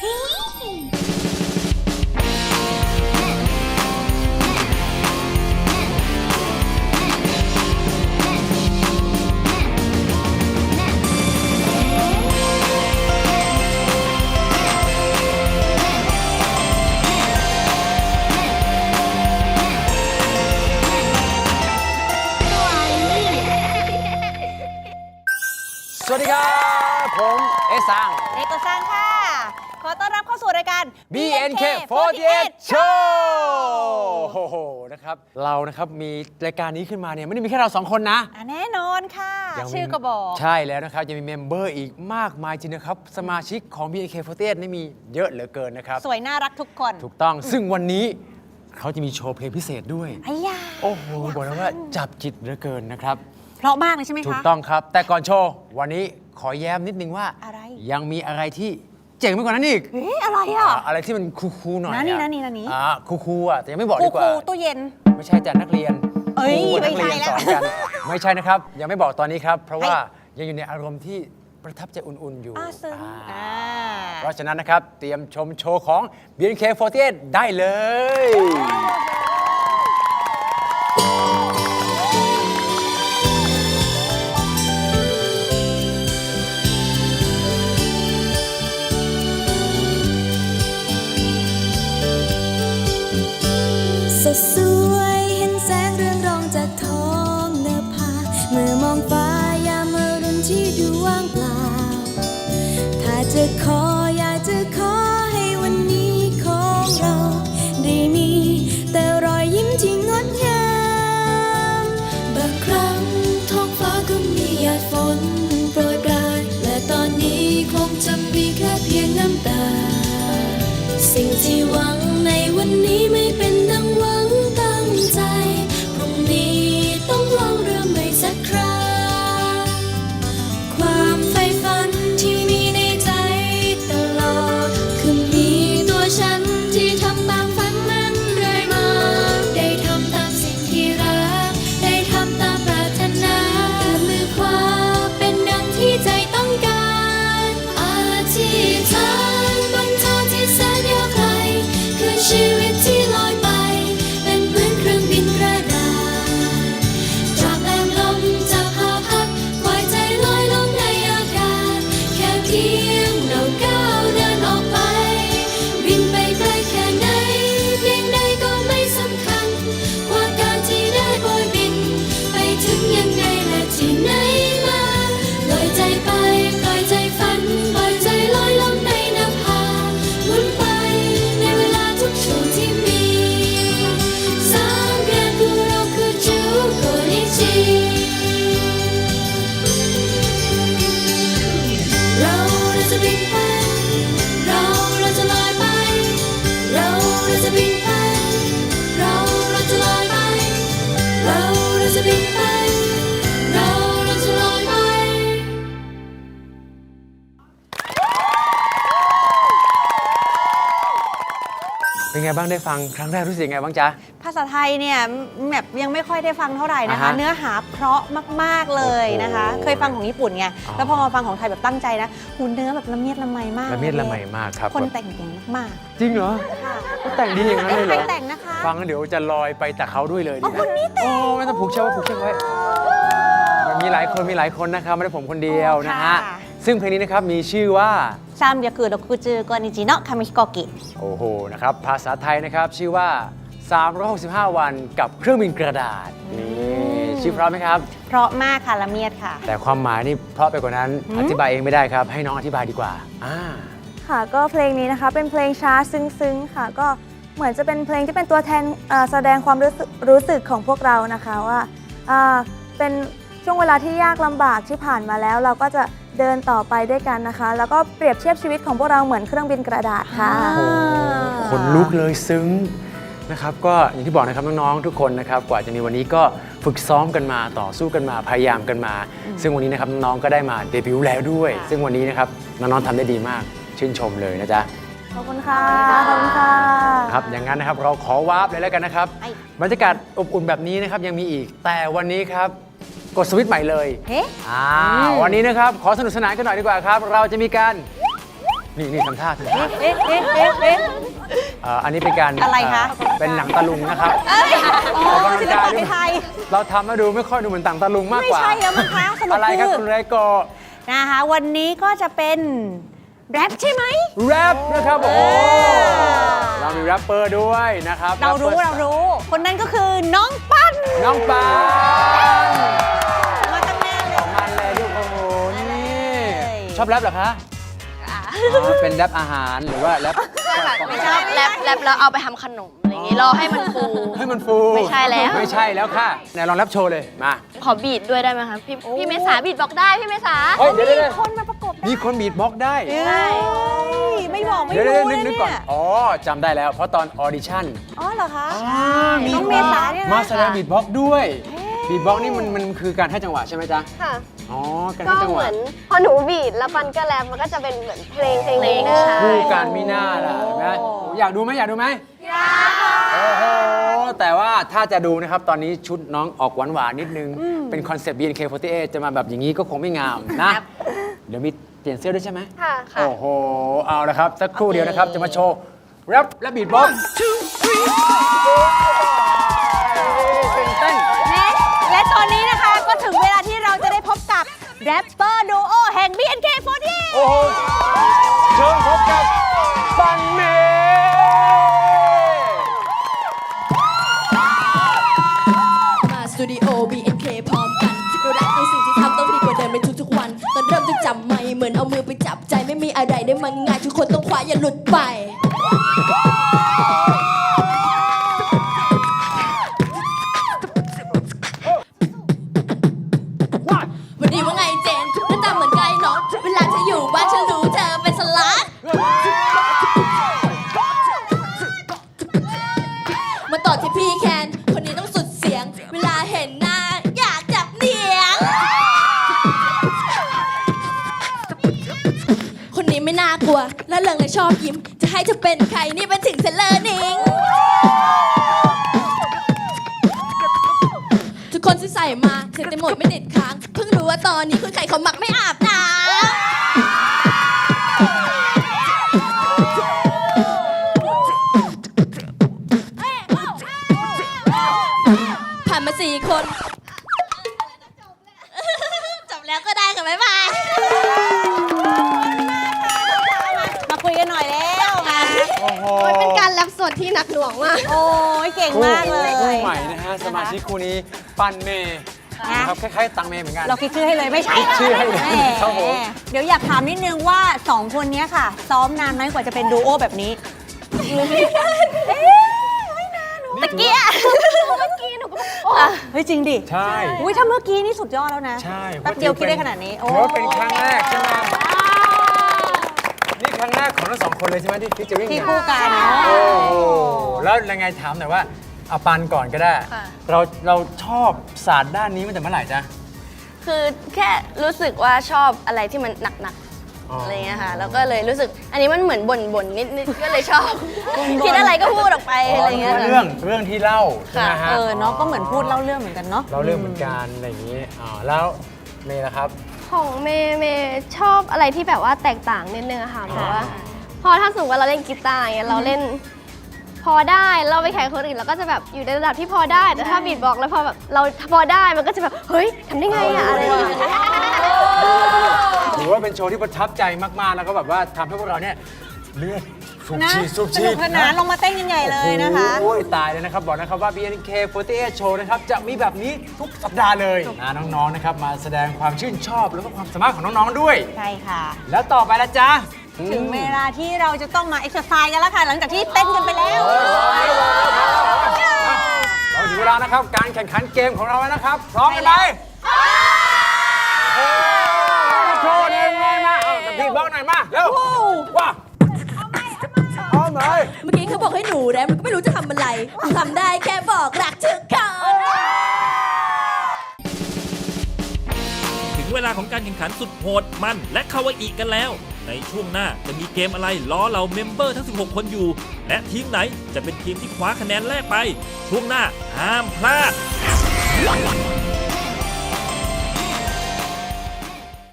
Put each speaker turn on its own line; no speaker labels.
สวัสดีครับผมเอซัง
เอกซังค่ะขอต้อนรับเข้าสู่รายการ
BNK48 Show โอ้โหนะครับเรานะครับมีรายการนี้ขึ้นมาเนี่ยไม่ได้มีแค่เราสองคนนะ
แน่นอนค่ะชื่อก็บอก
ใช่แล้วนะครับยังมีเมมเบอร์อีกมากมายจริงนะครับสมาชิกของ BNK48 นี่มีเยอะเหลือเกินนะครับ
สวยน่ารักทุกคน
ถูกต้องซึ่งวันนี้เขาจะมีโชว์เพลงพิเศษด้วยโอ้โหบอกเลยว่าจับจิตเหลือเกินนะครับ
เพราะมากเลยใช่ไหมคะ
ถูกต้องครับแต่ก่อนโชว์วันนี้ขอแย้มนิดนึงว่ายังมีอะไรที่เจ๋งไปกว่านั้นอีก
อะไรอ่ะ
อะไรที่มันคูลๆหน่อย
นี่
คูลๆอ่ะแต่ยังไม่บอกดีกว่า
ตู้เย็น
ไม่ใช่จัดนักเรียน
ไม่ใช่แล้ว
ไม่ใช่นะครับยังไม่บอกตอนนี้ครับเพราะว่ายังอยู่ในอารมณ์ที่ประทับใจอุ่นๆอยู่เพราะฉะนั้นนะครับเตรียมชมโชว์ของ BNK48 ได้เลย
สดสวยเห็นแสงเรืองรองจากท้องนภาเมื่อมองฟ้ายามอรุณที่ดูว่างเปล่าถ้าจะขออยากจะขอให้วันนี้ของเราได้มีแต่รอยยิ้มที่งดงามบางครั้งท้องฟ้าก็มีหยาดฝนโปรยปรายและตอนนี้คงจะมีแค่เพียงน้ำตาสิ่งที่หวังในวันนี้ไม่เป็นดังหวังตั้งใจพรุ่งนี้ต้องลองเริ่มใหม่สักครั้งความใฝ่ฝันที่มีในใจตลอดคือมีตัวฉันที่ทำตามฝันนั้นเรื่อยมาได้ทำตามสิ่งที่รักได้ทำตามปรารถนามือขวาเป็นดังที่ใจต้องการอธิษฐานบนทางที่แสนยาวไกลคือชีวิตที่ลอยไปเป็นเหมือนเครื่องบินกระดาษจากแรงลมจะพาพัดปล่อยใจลอยลงในอากาศแค่เพียงเราก้าวเดินออกไปบินไปไกลแค่ไหนเพียงใดก็ไม่สำคัญกว่าการที่ได้โบยบินไปถึงยังไงและที่ไหนมาปล่อยใจไปปล่อยใจฝันปล่อยใจลอยลงในนภาหมุนไปในเวลาทุกช่วงที่มีสามเดือนคือเราคือจูโกนิจิเราจะบินไปเราจะลอยไปเราจะบินไปเราจะลอยไปเราจะบินไปเราจะลอยไป
เป็นไงบ้างได้ฟังครั้งแรกรู้สึกยังไงบ้างจ๊ะ
ภาษาไทยเนี่ยแบบยังไม่ค่อยได้ฟังเท่าไหร่นะคะเนื้อหาเพราะมากๆเลยนะคะเคยฟังของญี่ปุ่นไงแล้วพอมาฟังของไทยแบบตั้งใจนะหูเนื้อแบบละเมียดละไมมาก
ละเมียดละไมมากครับ
คนแต่งเก่งมาก
จริงเหรอก็แต่งดีอย่างนั้นเลยเหรอ
ใครแต่งนะคะ
ฟังแล้วเดี๋ยวจะลอยไปแต่เขาด้วยเลยดีไหม
คนนี้แต่ง
ไม่ต้องผูกเชือกไว้ผูกเชือกไว้มีหลายคนนะครับไม่ได้ผมคนเดียวนะฮะซึ่งเพลงนี้นะครับมีชื่อว่า
365の紙飛行機
โอ้โหนะครับภาษาไทยนะครับชื่อว่า365วันกับเครื่องบินกระดาษนี่ชื่อเพราะไหมครับ
เพราะมากค่ะละเมียดค่ะ
แต่ความหมายนี่เพราะไปกว่านั้นอธิบายเองไม่ได้ครับให้น้องอธิบายดีกว่า
ค่ะก็เพลงนี้นะคะเป็นเพลงช้าซึ้งๆค่ะก็เหมือนจะเป็นเพลงที่เป็นตัวแทนแสดงความรู้สึกของพวกเรานะคะว่าเป็นช่วงเวลาที่ยากลำบากที่ผ่านมาแล้วเราก็จะเดินต่อไปด้วยกันนะคะแล้วก็เปรียบเทียบชีวิตของพวกเราเหมือนเครื่องบินกระดาษค่ะ
ขนลุกเลยซึ้งนะครับก็อย่างที่บอกนะครับน้องๆทุกคนนะครับกว่าจะมีวันนี้ก็ฝึกซ้อมกันมาต่อสู้กันมาพยายามกันมาซึ่งวันนี้นะครับน้องๆก็ได้มาเดบิวต์แล้วด้วยซึ่งวันนี้นะครับน้องๆทำได้ดีมากชื่นชมเลยนะจ๊ะ
ขอบคุณค่ะขอบคุณค่ะ
ครับอย่างนั้นนะครับเราขอวาร์ปเลยแล้วกันนะครับบรรยากาศอบอุ่นแบบนี้นะครับยังมีอีกแต่วันนี้ครับกดสวิตช์ใหม่เลยวันนี้นะครับขอสนุกสนานกันหน่อยดีกว่าครับเราจะมีการนี่ทำท่า
เอ๊ะ
อันนี้เป็นการ
อะไรคะ
เป็นหนังตะลุงนะครับ
อ๋อศิลปะไทย
เราทำมาดูไม่ค่อยดูเหมือนต่างตะลุงมาก
ไม่
กว่า
ใช่แล้วมั้งคะสรุป
อะไรครับ
คือ
คุณไรโก
นะคะวันนี้ก็จะเป็นแรปใช่ไหม
แรปนะครับโอ้โห
เออ
เรามีแรปเปอร์ด้วยนะครับ
เรารู้ คนนั้นก็คือน้องปั้น
น้องปาน
มาตั้งแน่เลย
ของมันเลยดูโอ้โหนี่
เลย
ชอบแรปเหรอคะเป็นแรปอาหารหรือว่าแรป
ไม่ชอบแรปแล้วเอาไปทำขนมอะไรอย่างงี้รอให้มันฟู
ให้มันฟู
ไม่ใช่แล้ว
ไม่ใช่แล้วค่ะไหนลองแรปโชว์เลยมา
ขอบีทด้วยได้ไหมคะพี่เมษาบีทบอกได้พี่เมษา
เฮ้ยเดี๋ยว
มีคนมาประกบ
มีคนบีทบ็อกซ์ได้
ใช่ไม่บอกไม่
เดี๋ยว
รู้
นึ
เลย
กก่อน
เนี่ย
อ๋อจำได้แล้วเพราะตอนออดิชั่น
อ๋อเหรอคะ
มี
น้องเมษาเนี่ยนะ
มาแสดงบีทบ็อกซ์ด้วยบีทบ็อกซ์นี่มันคือการให้จังหวะใช่ไหมจ๊ะ
ค่ะ
อ๋อการ
ก็
ให้จังห
เห
วะ
มือนพอหนูบีทแล้วปันก็แรปมันก็จะเป็นเหมือนเพลงหนึ่ง
คู่
ใช่
กันมีหน้าล่ะเห็นไหมอยากดูไหมอยากดูไหมอยากโอ้โหแต่ว่าถ้าจะดูนะครับตอนนี้ชุดน้องออกหวานๆนิดนึง เป็นคอนเซปต์ BNK48 จะมาแบบอย่างนี้ก็คงไม่งามนะ เดี๋ยวมีเปลี่ยนเสื้อด้วยใช่ไหม
ค่ะ
โอ้โห เอาละครับ สักครู่เดียวนะครับ จะมาโชว์แรปและบีทบ็อกซ์ตื่นเต้น
และตอนนี้นะคะก็ถึงเวลาที่เราจะได้พบกับแรปเปอร์ดูโอแห่ง BNK48
โอ้โห เชิญพบกับปันเมย์
มาสตูดิโอ BNK พร้อมกันเรารักในสิ่งที่ทำต้องดีกว่าเดิมในทุกๆวัน ตอนเริ่มต้องจำไม่เหมือนเอามือไปจับใจไม่มีอะไรได้มันง่ายทุกคนต้องคว้าอย่าหลุดไป วันนี้ว่าไงเจนหน้าตาเหมือนไก่น้องเวลาเธออยู่บ้านฉันรู้เธอเป็นสลัด มาต่อที่พี่แคนคนนี้ต้องสุดเสียง เวลาเห็นหน้าอยากจับเหนียง คนนี้ไม่น่ากลัว และเริงและชอบยิ้ม จะให้เธอเป็นใครนี่เป็นถึงเซเลอร์นิง ทุกคนที่ใส่มาเซ็ตเต็มหมดไม่ติดค้าง เพิ่งรู้ว่าตอนนี้คุณไข่เขาหมักไม่อาบน้ำผ่านมา4 คน จบแล้วก็ได้ค่ะบ๊ายบาย
มาคุยกันหน่อยแล้วมา
โอ้โห
มันเป็นการแรปสดที่หนักหน่วงมาก
โอ้ยเก่งมากเลย
คู่ใหม่นะฮะ สมาชิกคู่นี้ ปันเมย์นะครับคล้ายๆ ตังเมย์เหมือนกัน
เราคิดชื่อให้เลยไม่ใช่
คิดชื่อให้เลย
แหม
ครับผม
เดี๋ยวอยากถามนิดนึงว่า 2 คนนี้ค่ะ ซ้อมนานไหมกว่าจะเป็นดูโอแบบนี้
ตะเกีย
เฮ้ยจริงดิ
ใช่
อุ้ยถ้าเมื่อกี้นี่สุดยอดแล้วนะ
ใช่
แป๊บเดียวคิดได้ขนาดนี้
ถือว่าเป็นครั้งแรกใช่ไหมนี่ครั้งแรกของทั้งสองคนเลยใช่ไหมที่ฟิชเจอริ่ง
ที่
เนี่ย
คู่กันเนาะ
โอ้โหแล้วยังไงถามหน่อยว่าเอาปันก่อนก็ได้
ค่ะ
เราชอบศาสตร์ด้านนี้มาแต่เมื่อไหร่จ๊ะ
คือแค่รู้สึกว่าชอบอะไรที่มันหนัก
อ๋อ
ๆอะไรเงี้ยค่ะ แล้วก็เลยรู้สึกอันนี้มันเหมือนบ่นๆนิดๆก็เลยชอบ คิดอะไรก็พูดออกไปอะไรเงี้ย
คือ
ค่ะ
เรื่องที่เล่าใช่ไหมฮะ
เนาะก็เหมือนพูดเล่าเรื่องเหมือนกันเนาะ
เราเรื่องเหมือนกันอะไรอย่างนี้แล้วเมย์นะครับ
ของเมย์ชอบอะไรที่แบบว่าแตกต่างนิดนึงอะค่ะเพราะว่าพอถ้าสมมติว่าเราเล่นกีตาร์อย่างเงี้ยเราเล่นพอได้เราไปแข่งคนอื่นเราก็จะแบบอยู่ในระดับที่พอได้แต่ถ้าบีทบอกแล้วพอแบบเราพอได้มันก็จะแบบเฮ้ยทำได้ไงอะอะไรอย่างเงี้ย
ถือว่าเป็นโชว์ที่ประทับใจมากๆแล้วก็แบบว่าทำให้พวกเราเนี่ยเลือดสูบ
นะ
ฉีดสูบ
ส
ฉี
นุ
ด
กสนานลงมาเต้นกันใหญ่เลยนะคะ
โอ้ยตายเลยนะครับบอกนะครับว่า BNK48 Show นะครับจะมีแบบนี้ทุกสัปดาห์เลยน้องๆนะครับมาแสดงความชื่นชอบแล้วก็ความสามารถของน้องๆด้วย
ใช่ค่ะ
แล้วต่อไปละจ๊ะ
ถึงเวลาที่เราจะต้องมาเอ็กซ์ไซส์กันแล้วค่ะ หลังจากที่เต้นกันไปแล้ว
เราถึงเวลานะครับการแข่งขันเกมของเราแล้วนะครับ พร้อมกันไหมโชว์หนึ่งเลยมาเอาแต่พี่บอกหน่อยมาเร็วว่าเอาหน่อย
เมื่อกี้เขาบอกให้หนูแรปมันก็ไม่รู้จะทำอะไรทำได้แค่บอกรักทุกคน
ถึงเวลาของการแข่งขันสุดโหดมันและคาวาอิกันแล้ว ในช่วงหน้าจะมีเกมอะไรล้อเราเมมเบอร์ทั้ง 16 คนอยู่ และทีมไหนจะเป็นทีมที่คว้าคะแนนแรกไป ช่วงหน้าห้ามพลาด